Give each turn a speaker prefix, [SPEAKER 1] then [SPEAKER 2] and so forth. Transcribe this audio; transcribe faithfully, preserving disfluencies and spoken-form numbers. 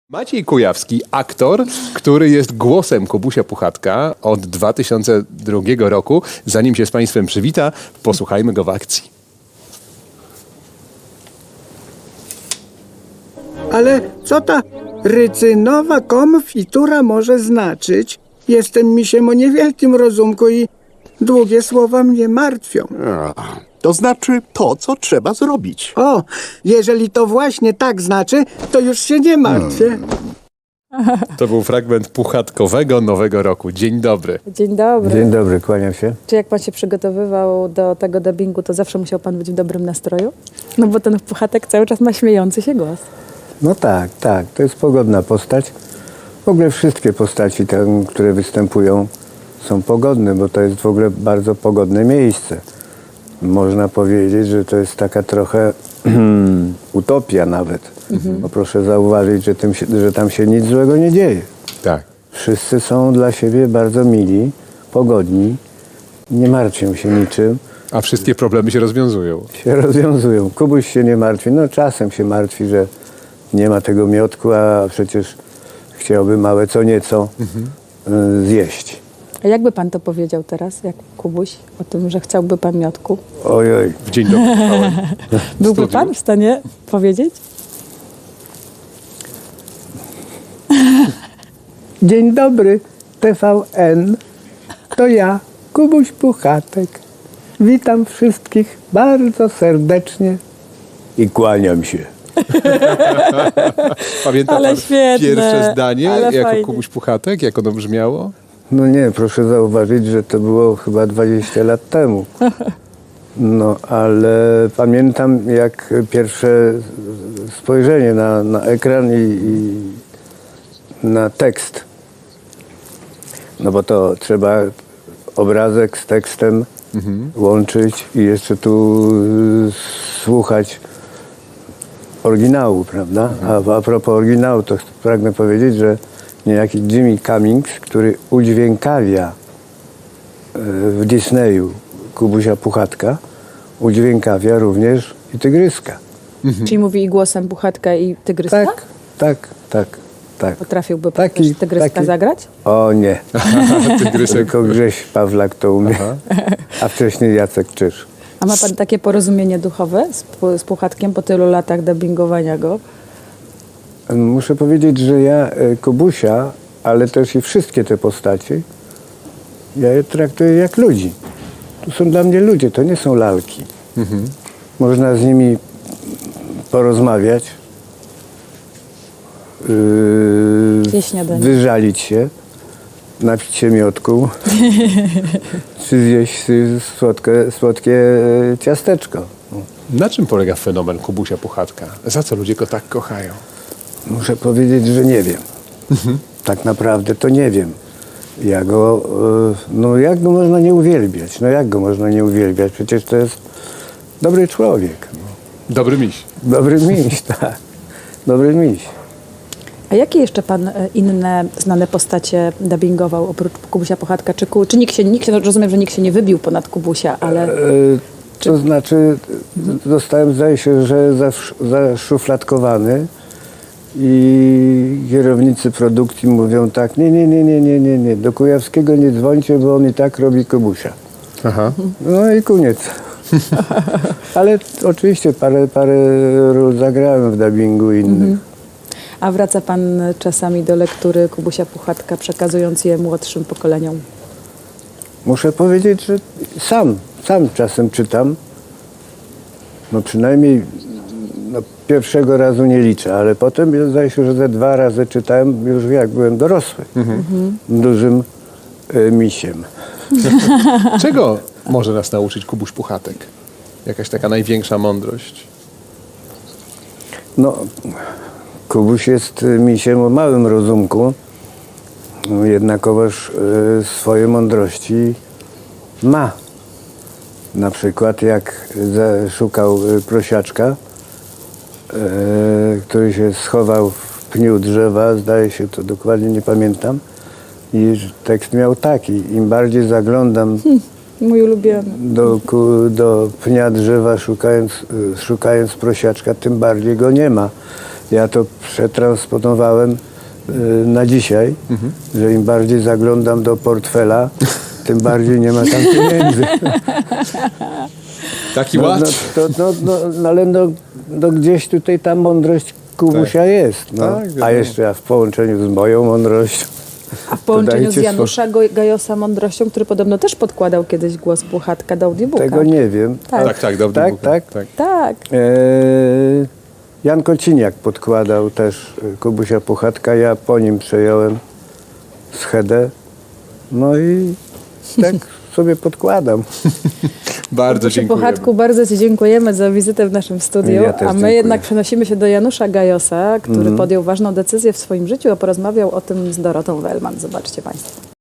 [SPEAKER 1] Maciej Kujawski, aktor, który jest głosem Kubusia Puchatka od dwa tysiące drugiego roku. Zanim się z Państwem przywita, posłuchajmy go w akcji.
[SPEAKER 2] Ale co ta rycynowa konfitura może znaczyć? Jestem misiem o niewielkim rozumku i długie słowa mnie martwią.
[SPEAKER 3] A, to znaczy to, co trzeba zrobić.
[SPEAKER 2] O, jeżeli to właśnie tak znaczy, to już się nie martwię.
[SPEAKER 1] To był fragment Puchatkowego Nowego Roku. Dzień dobry.
[SPEAKER 4] Dzień dobry.
[SPEAKER 5] Dzień dobry, kłaniam się.
[SPEAKER 4] Czy jak pan się przygotowywał do tego dubbingu, to zawsze musiał pan być w dobrym nastroju? No bo ten Puchatek cały czas ma śmiejący się głos.
[SPEAKER 5] No tak, tak, to jest pogodna postać. W ogóle wszystkie postaci, te, które występują, są pogodne, bo to jest w ogóle bardzo pogodne miejsce. Można powiedzieć, że to jest taka trochę utopia nawet. Mhm. Bo proszę zauważyć, że, tym się, że tam się nic złego nie dzieje.
[SPEAKER 1] Tak.
[SPEAKER 5] Wszyscy są dla siebie bardzo mili, pogodni, nie martwią się niczym.
[SPEAKER 1] A wszystkie problemy się rozwiązują.
[SPEAKER 5] Się rozwiązują. Kubuś się nie martwi. No czasem się martwi, że nie ma tego miodku, a przecież chciałby małe co nieco mhm. y, zjeść.
[SPEAKER 4] A jakby pan to powiedział teraz, jak Kubuś, o tym, że chciałby pan miodku?
[SPEAKER 5] Ojoj.
[SPEAKER 1] W dzień dobry. Trwałem.
[SPEAKER 4] Byłby pan w stanie powiedzieć?
[SPEAKER 2] Dzień dobry, T V N. To ja, Kubuś Puchatek. Witam wszystkich bardzo serdecznie.
[SPEAKER 5] I kłaniam się.
[SPEAKER 1] Pamięta
[SPEAKER 4] Ale
[SPEAKER 1] pan
[SPEAKER 4] świetne,
[SPEAKER 1] pierwsze zdanie
[SPEAKER 4] ale
[SPEAKER 1] jako
[SPEAKER 4] fajnie.
[SPEAKER 1] Kubuś Puchatek? Jak ono brzmiało?
[SPEAKER 5] No nie, proszę zauważyć, że to było chyba dwadzieścia lat temu. No, ale pamiętam jak pierwsze spojrzenie na, na ekran i, i na tekst. No bo to trzeba obrazek z tekstem mhm. łączyć i jeszcze tu y, słuchać oryginału, prawda? A, a propos oryginału, to pragnę powiedzieć, że niejaki Jimmy Cummings, który udźwiękawia y, w Disneyu Kubusia Puchatka, udźwiękawia również i Tygryska.
[SPEAKER 4] Mhm. Czyli mówi i głosem Puchatka i Tygryska?
[SPEAKER 5] Tak, tak, tak, tak.
[SPEAKER 4] Potrafiłby pan
[SPEAKER 5] Taki-
[SPEAKER 4] też Tygryska
[SPEAKER 5] taki-
[SPEAKER 4] zagrać?
[SPEAKER 5] O nie,
[SPEAKER 1] Tygrysek.
[SPEAKER 5] tylko Grześ Pawlak to umie, a wcześniej Jacek Czyż.
[SPEAKER 4] A ma pan takie porozumienie duchowe z, Pu- z Puchatkiem po tylu latach dubbingowania go?
[SPEAKER 5] Muszę powiedzieć, że ja e, Kubusia, ale też i wszystkie te postacie, ja je traktuję jak ludzi. To są dla mnie ludzie, to nie są lalki.
[SPEAKER 1] Mhm.
[SPEAKER 5] Można z nimi porozmawiać, yy,
[SPEAKER 4] Zjeść śniadanie.
[SPEAKER 5] wyżalić się, napić się miodku, czy zjeść y, słodkie, słodkie e, ciasteczko.
[SPEAKER 1] Na czym polega fenomen Kubusia Puchatka? Za co ludzie go tak kochają?
[SPEAKER 5] Muszę powiedzieć, że nie wiem. Tak naprawdę to nie wiem. Ja go, e, no jak go można nie uwielbiać? No jak go można nie uwielbiać? Przecież to jest dobry człowiek.
[SPEAKER 1] Dobry miś.
[SPEAKER 5] Dobry miś, tak. Dobry miś.
[SPEAKER 4] A jakie jeszcze pan e, inne znane postacie dubbingował oprócz Kubusia Puchatka? Czy, ku, czy nikt się, nikt się, rozumiem, że nikt się nie wybił ponad Kubusia, ale...
[SPEAKER 5] E, to znaczy, zostałem, zdaje się, że zasz, zaszufladkowany i kierownicy produkcji mówią tak, nie, nie, nie, nie, nie, nie, nie, do Kujawskiego nie dzwońcie, bo on i tak robi Kubusia.
[SPEAKER 1] Aha.
[SPEAKER 5] No i koniec. Ale oczywiście parę, parę ról zagrałem w dubbingu innych.
[SPEAKER 4] A wraca pan czasami do lektury Kubusia Puchatka, przekazując je młodszym pokoleniom?
[SPEAKER 5] Muszę powiedzieć, że sam, sam czasem czytam. No przynajmniej no, pierwszego razu nie liczę, ale potem zdaje się, że ze dwa razy czytałem już jak byłem dorosły. Mhm. Dużym y, misiem.
[SPEAKER 1] Czego może nas nauczyć Kubuś Puchatek? Jakaś taka największa mądrość?
[SPEAKER 5] No, Kubuś jest y, misiem o małym rozumku, no, jednakowoż y, swoje mądrości ma. Na przykład jak za, szukał y, prosiaczka, y, który się schował w pniu drzewa, zdaje się, to dokładnie nie pamiętam, i tekst miał taki: im bardziej zaglądam
[SPEAKER 4] Mój ulubiony.
[SPEAKER 5] do, ku, do pnia drzewa szukając, y, szukając prosiaczka, tym bardziej go nie ma. ja to przetransponowałem y, na dzisiaj, że im bardziej zaglądam do portfela, tym bardziej nie ma tam pieniędzy.
[SPEAKER 1] Taki
[SPEAKER 5] No,
[SPEAKER 1] ład.
[SPEAKER 5] no, to, no, no, no ale no, no gdzieś tutaj ta mądrość Kubusia jest. No.
[SPEAKER 1] Tak, wiadomo.
[SPEAKER 5] A jeszcze w połączeniu z moją mądrością.
[SPEAKER 4] A w połączeniu z
[SPEAKER 5] Dajcie
[SPEAKER 4] Janusza Go- Gajosa Mądrością, który podobno też podkładał kiedyś głos Puchatka do audiobooka.
[SPEAKER 5] Tego nie wiem.
[SPEAKER 4] Tak.
[SPEAKER 1] Tak, tak, dobrze.
[SPEAKER 5] Tak, tak.
[SPEAKER 1] tak.
[SPEAKER 4] Tak.
[SPEAKER 5] E, Jan Kociniak podkładał też e, Kubusia Puchatka. Ja po nim przejąłem schedę. No i tak sobie podkładam.
[SPEAKER 1] Bardzo
[SPEAKER 4] Kubusiu
[SPEAKER 1] dziękuję.
[SPEAKER 4] Puchatku, bardzo Ci dziękujemy za wizytę w naszym studiu,
[SPEAKER 5] Ja też
[SPEAKER 4] a my
[SPEAKER 5] dziękuję.
[SPEAKER 4] jednak przenosimy się do Janusza Gajosa, który podjął ważną decyzję w swoim życiu, a porozmawiał o tym z Dorotą Wellman. Zobaczcie Państwo.